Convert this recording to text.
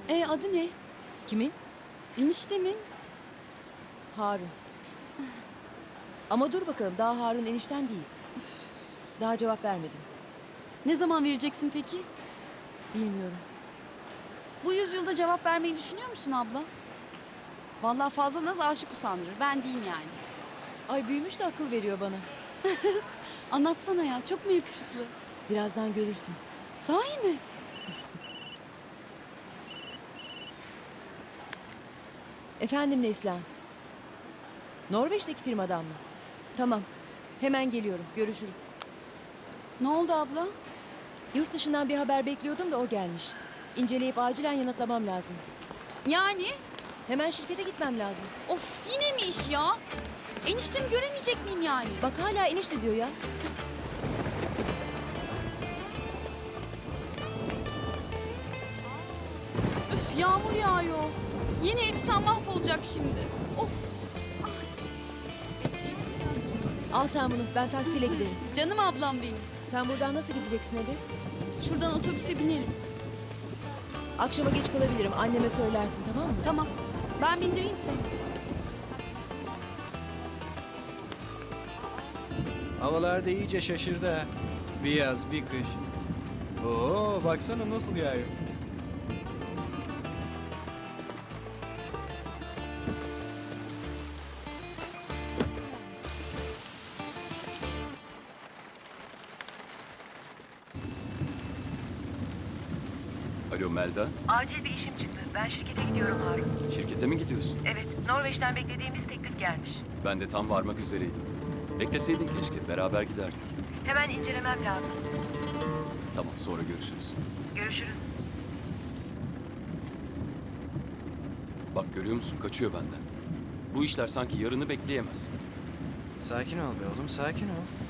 Adı ne? Kimin? Eniştemin. Harun. Ama dur bakalım, daha Harun enişten değil. Daha cevap vermedim. Ne zaman vereceksin peki? Bilmiyorum. Bu yüzyılda cevap vermeyi düşünüyor musun abla? Vallahi fazla naz aşık usandırır. Ben diyeyim yani. Ay büyümüş de akıl veriyor bana. Anlatsana ya. Çok mu yakışıklı? Birazdan görürsün. Sahi mi? Efendim Neslihan. Norveç'teki firmadan mı? Tamam. Hemen geliyorum. Görüşürüz. Ne oldu abla? Yurt dışından bir haber bekliyordum da o gelmiş. İnceleyip acilen yanıtlamam lazım. Yani? Hemen şirkete gitmem lazım. Of yine mi iş ya? Eniştemi göremeyecek miyim yani? Bak hala enişte diyor ya. Üf yağmur yağıyor. Yine elbisem mahvolacak şimdi. Of. Al sen bunu. Ben taksiyle giderim. Canım ablam benim. Sen buradan nasıl gideceksin eve? Şuradan otobüse binerim. Akşama geç kalabilirim. Anneme söylersin, tamam mı? Tamam. Ben bindireyim seni. Havalar da iyice şaşırdı ha. Bir yaz, bir kış. Oo, baksana nasıl yağıyor. Alo Melda, Acil bir işim çıktı. Ben şirkete gidiyorum Harun. şirkete mi gidiyorsun? Evet, Norveç'ten beklediğimiz teklif gelmiş. Ben de tam varmak üzereydim. Bekleseydin keşke, beraber giderdik. Hemen incelemem lazım. Tamam, sonra görüşürüz. Görüşürüz. Bak görüyor musun, kaçıyor benden. Bu işler sanki yarını bekleyemez. Sakin ol be oğlum, sakin ol.